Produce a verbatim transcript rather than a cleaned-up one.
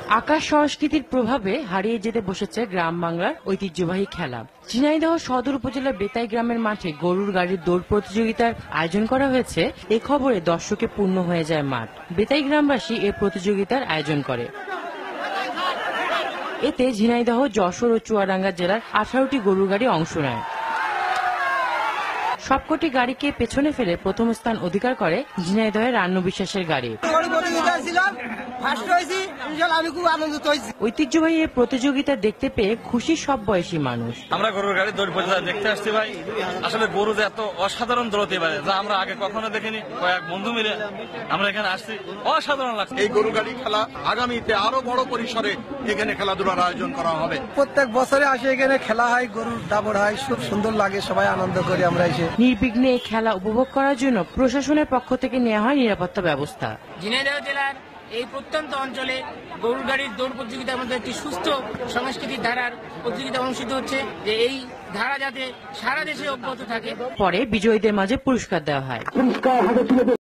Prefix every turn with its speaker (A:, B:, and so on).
A: আকাশ সংস্কৃতির প্রভাবে হারিয়ে যেতে বসেছে গ্রাম বাংলার ঐতিহ্যবাহী খেলা। ঝিনাইদহ সদর উপজেলার বেতাই গ্রামের মাঠে গরুর গাড়ির দৌড় প্রতিযোগিতার আয়োজন করা হয়েছে। এ খবরে দর্শকে পূর্ণ হয়ে যায় মাঠ। বেতাই গ্রামবাসী এ প্রতিযোগিতার আয়োজন করে। এতে ঝিনাইদহ, যশোর ও চুয়াডাঙ্গা জেলার আঠারোটি গরুর গাড়ি অংশ নেয়। সবকটি গাড়িকে পেছনে ফেলে প্রথম স্থান অধিকার করে ঝিনাইদহের রান্নু বিশ্বাসের গাড়ি। ঐতিহ্যবাহী এই প্রতিযোগিতা দেখতে পেয়ে খুশি সব বয়সী মানুষ।
B: আমরা গরুর গাড়ি দৌড় প্রতিযোগিতা দেখতে আসছি ভাই। আসলে গরু যে এত অসাধারণ দৌড়তে পারে যা আমরা আগে কখনো দেখিনি। কয়েক বন্ধু মিলে আমরা এখানে আসছি, অসাধারণ লাগছে।
C: এই গরু গাড়ি খেলা আগামীতে আরো বড় পরিসরে এখানে খেলাধুলার আয়োজন করা হবে।
D: প্রত্যেক বছরে আসে এখানে খেলা হয়, গরুর দাবড় হয়, খুব সুন্দর লাগে, সবাই আনন্দ করি আমরা এসে।
A: নির্বিঘ্নে এই খেলা উপভোগ করার জন্য প্রশাসনের পক্ষ থেকে নেওয়া হয় নিরাপত্তা ব্যবস্থা।
E: ঝিনাইদহ জেলার এই প্রত্যন্ত অঞ্চলে গরুর গাড়ির দৌড় প্রতিযোগিতার মধ্যে একটি সুস্থ সংস্কৃতির ধারার প্রতিযোগিতা অনুষ্ঠিত হচ্ছে, যে এই ধারা যাতে সারা দেশে অব্যাহত থাকে।
A: পরে বিজয়ীদের মাঝে পুরস্কার দেওয়া হয়।